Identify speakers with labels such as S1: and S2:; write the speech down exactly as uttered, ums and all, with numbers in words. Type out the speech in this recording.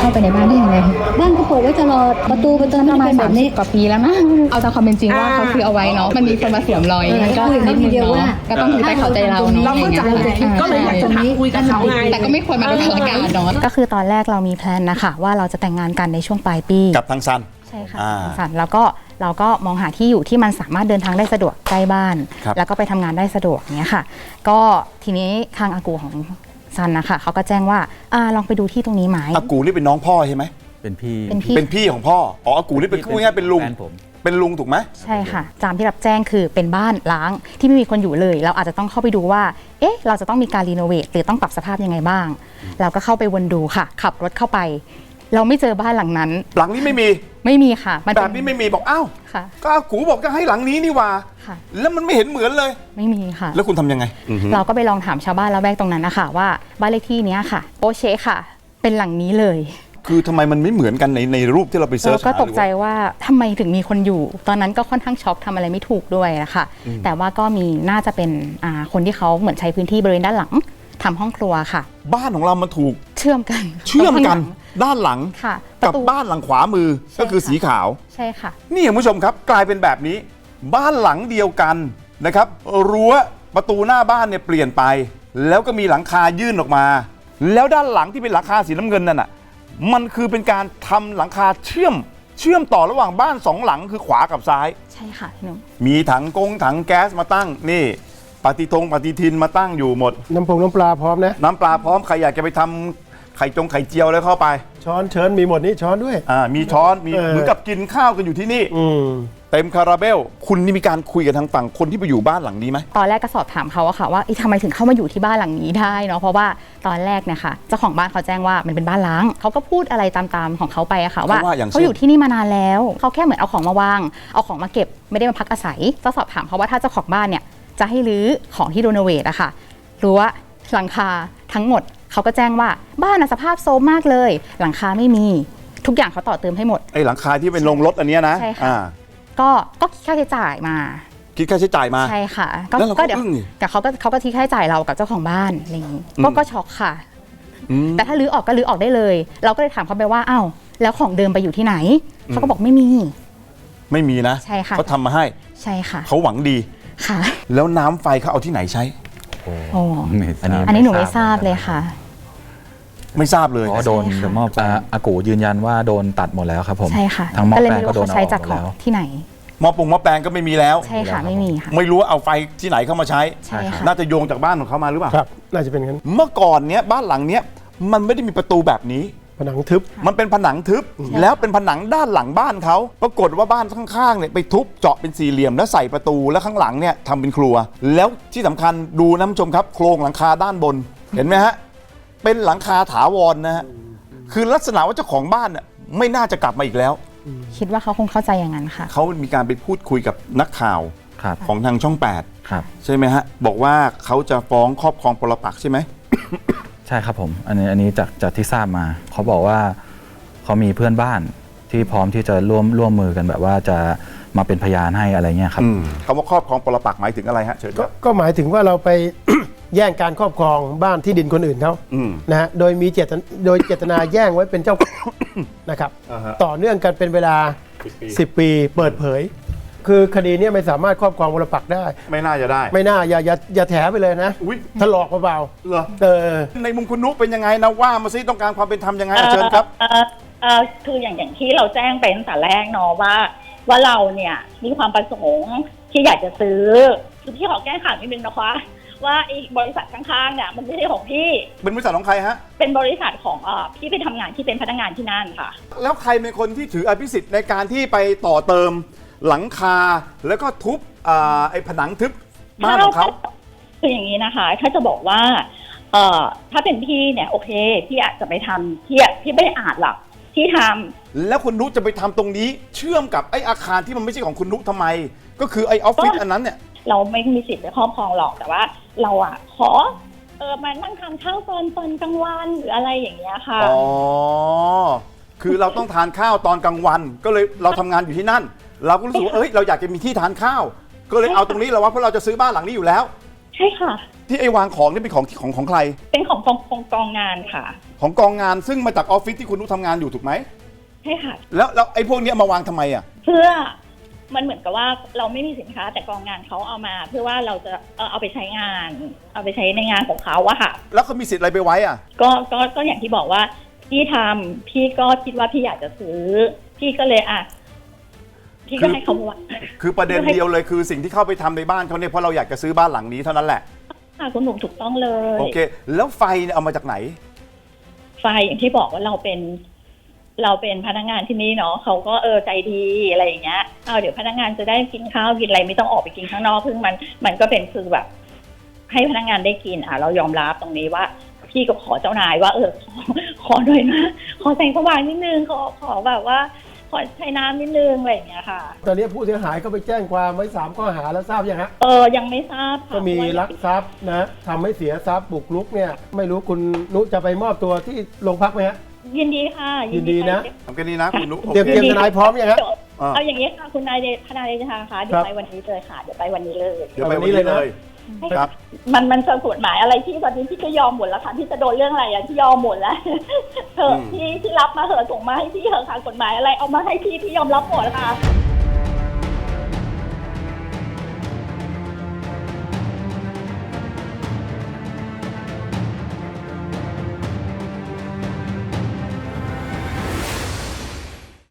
S1: าไปในบ้านได้ยังไงบ้านก็เปิดไว้ตลอดประตูประตูประมาณแบบนี้
S2: กว่าปีแล้วนะเอาตามความเป็นจริงว่าเขาซื้อเอาไว้เนาะมันมีคนมาสวมรอยก็คือนิดนึงเนาะก็ต้องถือใจเข้าใจเราเนาะเราเข้าใจ
S3: ก็เลยอยากจะถามคุยกับเขาไง
S2: แต่ก็ไม่ควรมาโดนประกาศเนาะ
S4: ก็คือตอนแรกเรามีแพลนนะคะว่าเราจะแต่งงานกันในช่วงปลายปี
S5: กับทางซัน
S4: ใช่ค่ะทางซันแล้วก็เราก็มองหาที่อยู่ที่มันสามารถเดินทางได้สะดวกใกล้บ้านแล้วก็ไปทำงานได้สะดวกเนี้ยค่ะก็ทีนี้ทางอากูของซันนะคะเขาก็แจ้งว่าอ่าลองไปดูที่ตรงนี้ไหม
S5: อากูนี่เป็นน้องพ่อใช่ไหม
S6: เป็นพี่
S4: เป็นพี่
S5: เป็นพี่ของพ่ออ๋ออากูนี่เป็นง่ายๆเป็นลุงเป็นลุงถูกไหม
S4: ใช่ค่ะตามที่รับแจ้งคือเป็นบ้านล้างที่ไม่มีคนอยู่เลยเราอาจจะต้องเข้าไปดูว่าเอ๊ะเราจะต้องมีการรีโนเวทหรือต้องปรับสภาพยังไงบ้างเราก็เข้าไปวนดูค่ะขับรถเข้าไปเราไม่เจอบ้านหลังนั้น
S5: หลังนี้ไม่มี
S4: ไม่มีค่ะ
S5: แบบนี้ไม่มีบอกอ้าวก็อากูบอกจะให้หลังนี้นี่ว่าแล้วมันไม่เห็นเหมือนเลย
S4: ไม่มีค่ะ
S5: แล้วคุณทำยังไง
S4: เราก็ไปลองถามชาวบ้านแล้วแวกตรงนั้นนะคะว่าบ้านเลขที่นี้ค่ะโปเช่ค่ะเป็นหลังนี้เลย
S5: คือทำไมมันไม่เหมือนกันในในรูปที่เราไปเซิร์ช
S4: ก็ตกใจว่าทำไมถึงมีคนอยู่ตอนนั้นก็ค่อนข้างช็อกทำอะไรไม่ถูกด้วยนะคะแต่ว่าก็มีน่าจะเป็นคนที่เขาเหมือนใช้พื้นที่บริเวณด้านหลังทำห้องครัวค่ะ
S5: บ้านของเรามันถูก
S4: เชื่อมกัน
S5: เชื่อมกันด้านหลัง
S4: ค่ะ
S5: กับบ้านหลังขวามือก็คือสีขาว
S4: ใช่ค่ะ
S5: นี่คุณผู้ชมครับกลายเป็นแบบนี้บ้านหลังเดียวกันนะครับรั้วประตูหน้าบ้านเนี่ยเปลี่ยนไปแล้วก็มีหลังคายื่นออกมาแล้วด้านหลังที่เป็นหลังคาสีน้ำเงินนั่นน่ะมันคือเป็นการทำหลังคาเชื่อมเชื่อมต่อระหว่างบ้านสองหลังคือขวากับซ้าย
S4: ใช่ค่ะพี่หนุ่ม
S5: มีถังกงถังแก๊สมาตั้งนี่ปฏิทงปฏิทินมาตั้งอยู่หมด
S7: น้ำพงน้ำปลาพร้อมนะ
S5: น้ำปลาพร้อมใครอยากจะไปทำไข่จงไข่เจียวแล้วเข้าไป
S7: ช้อนเชิญมีหมดนี่ช้อนด้วย
S5: อ่ามีช้อนมีเหมือนกับกินข้าวกันอยู่ที่นี่เต็มคาราเบลคุณนี่มีการคุยกับทางฝั่งคนที่ไปอยู่บ้านหลังนี้ไหม
S4: ตอนแรกก็สอบถามเขาอะค่ะว่าทำไมถึงเข้ามาอยู่ที่บ้านหลังนี้ได้เนาะเพราะว่าตอนแรกเนี่ยค่ะเจ้าของบ้านเขาแจ้งว่ามันเป็นบ้านล้างเขาก็พูดอะไรตามๆของเขาไปอะค่ะว่าเขาอยู่ที่นี่มานานแล้วเขาแค่เหมือนเอาของมาวางเอาของมาเก็บไม่ได้มาพักอาศัยก็สอบถามเขาว่าถ้าเจ้าของบ้านเนี่ยจะให้รื้อของที่รีโนเวทอะค่ะรั้วหลังคาทั้งหมดเขาก็แจ้งว่าบ้านสภาพโซมมากเลยหลังคาไม่มีทุกอย่างเขาต่อเติมให้หมด
S5: ไอ้หลังคาที่เป็นโรงรถอันนี้นะ
S4: ใช่ค่ะก็ก็คิดค่าใช้จ่ายมา
S5: คิดค่าใช้จ่ายมา
S4: ใช่ค่ะ
S5: ก็เดี๋ยว
S4: แต่เขาก็เขาก็คิดค่าใช้จ่ายเรากับเจ้าของบ้านอะไรอย่างนี้ก็ก็ช็อกค่ะแต่ถ้ารื้อออกก็รื้อออกได้เลยเราก็เลยถามเขาไปว่าอ้าวแล้วของเดิมไปอยู่ที่ไหนเขาก็บอกไม่มี
S5: ไม่มีนะ
S4: ใช่ค่ะ
S5: เขาทำมาให้
S4: ใช่ค่ะ
S5: เขาหวังดี
S4: ค่ะ
S5: แล้วน้ำไฟเขาเอาที่ไหนใช้
S4: โอ้อันนี้อันนี้หนูไม่ทราบเลยค่ะ
S5: ไม่ทราบเลย
S6: อ๋อโดนเดี๋ยวมอบอากูยืนยันว่าโดนตัดหมดแล้วครับผม
S4: ใช่ค่ะ
S6: ทั้งมอบแปลงก็โดน
S4: ใช้จากของที่ไหน
S5: มอบปงมอบแปลงก็ไม่มีแล้ว
S4: ใช่ค่ะไม่มีค่ะ
S5: ไม่รู้ว่าเอาไฟที่ไหนเข้ามาใช้
S4: ใช่ค่ะ
S5: น่าจะโยงจากบ้านของเขามาหรือเปล่า
S7: ครับน่าจะเป็นงั้น
S5: เมื่อก่อนเนี้ยบ้านหลังเนี้ยมันไม่ได้มีประตูแบบนี้
S7: ผนังทึบ
S5: มันเป็นผนังทึบแล้วเป็นผนังด้านหลังบ้านเขาปรากฏว่าบ้านข้างๆเนี่ยไปทุบเจาะเป็นสี่เหลี่ยมแล้วใส่ประตูแล้วข้างหลังเนี่ยทำเป็นครัวแล้วที่สำคัญดูน้ำชมครับโครงหลังคาด้านบนเห็นไหมฮะเป็นหลังคาถาวรนะฮะคือลักษณะว่าเจ้าของบ้านเนี่ยไม่น่าจะกลับมาอีกแล้ว
S4: คิดว่าเขาคงเข้าใจอย่างนั้นค่ะ
S5: เขามีการไปพูดคุยกับนักข่าวของทางช่องแปดใช่ไหมฮะบอกว่าเขาจะฟ้องครอบครองปรปักษ์ใช่ไหม
S6: ใช่ครับผมอันนี้อันนี้จากจากที่ทราบมาเขาบอกว่าเขามีเพื่อนบ้านที่พร้อมที่จะร่วมร่วมมือกันแบบว่าจะมาเป็นพยานให้อะไรเงี้ยครับ
S5: คำว่าครอบครองปรปักษ์หมายถึงอะไรฮะเชิญครับ
S7: ก็หมายถึงว่าเราไป แย่งการครอบครองบ้านที่ดินคนอื่นเขานะฮะโดยมีเจตโดยเจตนาแย่งไว้เป็นเจ้า นะครับต่อเนื่องกันเป็นเวลาสิบปีเปิดเผยคือคดีนี้ไม่สามารถครอบครองปรปักษ์ได้
S5: ไม่น่าจะได้
S7: ไม่น่าอย่าอย่าอย่าแถไปเลยนะถลอกเบา
S5: ๆเหรอเออในมุมคุณนุ๊กเป็นยังไงนะว่ามาซิต้องการความเป็นธรรมยังไงเชิญครับ
S8: เออคืออย่างอย่างที่เราแจ้งไปตั้งแต่แรกเนาะว่าว่าเราเนี่ยมีความประสงค์ที่อยากจะซื้อคือพี่ขอแก้ข่าวนิดนึงนะคะว่าไอ้บริษัทข้างๆเนี่ยมันไม่ใช่ของพี่
S5: เป็นบริษัทของใครฮะ
S8: เป็นบริษัทของเอ่อพี่ไปทำงานที่เป็นพนักงานที่นั่นค่ะ
S5: แล้วใครเป็นคนที่ถืออภิสิทธิ์ในการที่ไปต่อเติมหลังคาแล้วก็ทุบไอ้ผนังทึบบ้านของเขา
S8: คืออย่างนี้นะคะถ้าจะบอกว่าเอ่อถ้าเป็นพี่เนี่ยโอเคพี่อาจจะไปทำพี่พี่ไม่ได้อาจหรอกที่ท
S5: ำแล้วคุณนุ๊กจะไปทำตรงนี้เชื่อมกับไอ้อาคารที่มันไม่ใช่ของคุณนุ๊กทำไมก็คือไอ้ออฟฟิศอันนั้นเนี่ย
S8: เราไม่มีสิทธิ์ไปครอบครองหรอกแต่ว่าเราอ่ะขอเออมานั่งทานข้าวตอนตอนกลางวันหรืออะไรอย่างเงี้ยค่ะ
S5: อ๋อคือเราต้องทานข้าวตอนกลางวันก็เลยเราทำงานอยู่ที่นั่นเราก็รู้สึกว่าเอ้ยเราอยากจะมีที่ทานข้าวก็เลยเอาตรงนี้เราว่าเพราะเราจะซื้อบ้านหลังนี้อยู่แล้ว
S8: ใช่ค่ะ
S5: ที่ไอ้วางของนี่เป็นของที่ของของใคร
S8: เป็นของกองกองกองงานค่ะ
S5: ของกองงานซึ่งมาจากออฟฟิศที่คุณนุชทำงานอยู่ถูกไหม
S8: ใช่ค่ะ
S5: แล้วแล้วไอ้พวกเนี้ยมาวางทำไมอ่ะ
S8: เพื่อมันเหมือนกับว่าเราไม่มีสินค้าแต่กองงานเขาเอามา เพื่อว่าเราจะเอ่อเอาไปใช้งาน เอาไปใช้ในงานของเขาอะค่ะ
S5: แล้วเขามีสิทธิ์อะไรไปไว้อ่ะ
S8: ก็ก็ก็อย่างที่บอกว่าพี่ทำพี่ก็คิดว่าพี่อยากจะซื้อ พี่ก็เลยอ่ะพี่ก็ให้เขาว่า
S5: คือประเด็นเดียวเลยคือสิ่งที่เข้าไปทำในบ้านเขาเนี่ยเพราะเราอยากจะซื้อบ้านหลังนี้เท่านั้นแหละ
S8: ค่ะคุณหนุ่มถูกต้องเลย
S5: โอเค แล้วไฟเนี่ยเอามาจากไหน
S8: ไฟอย่างที่บอกว่าเราเป็น เราเป็นพนักงานที่นี่เนาะเขาก็เออใจดีอะไรอย่างเงี้ยเอาเดี๋ยวพนักงานจะได้กินข้าวกินอะไรไม่ต้องออกไปกินข้างนอกซึ่งมันมันก็เป็นคือแบบ ให้พนักงานได้กินอ่ะเรายอมรับตรงนี้ว่า พี่ก็ขอเจ้านายว่าเออขอขอหน่อยนะขอแสงสว่างนิดนึงขอขอแบบว่า ขอใช้น้ำนิดนึงอะไรอย่างเงี้ยค่ะ
S7: ตอนนี้ผู้เสียหายก็ไปแจ้งความไว้สามข้อหาแล้วทราบยังฮะ
S8: เออยังไม่ทราบค่ะ
S7: ก็มีลักทรัพย์นะทำให้เสียทรัพย์บุกรุกเนี่ยไม่รู้คุณนุจะไปมอบตัวที่โรงพักไหมฮะ
S8: ยินดีค่ะ
S7: ยินดีนะ
S5: ทำกันนี้นะคุณนุชโอ
S7: เตรียม
S5: เค
S7: เตรียมทนายพร้อมยังฮะ
S5: อ่า
S8: เอาอย่างนี้ค่ะคุณนายเดชทนายเดชาค่ะเดี๋ยวไปวันนี้เลยค่ะเดี๋ยวไปวันนี้เลย
S5: เดี๋ยวไปวันนี้เลยครับ
S8: มันมันจะกฎหมายอะไรที่ตอนนี้พี่ก็ยอมหมดแล้วค่ะพี่จะโดนเรื่องอะไรอ่ะที่ยอมหมดแล้วเถอะพี่ที่รับมาเถอะส่งมาให้พี่เถอะค่ะกฎหมายอะไรเอามาให้พี่พี่ยอมรับหมดค่ะ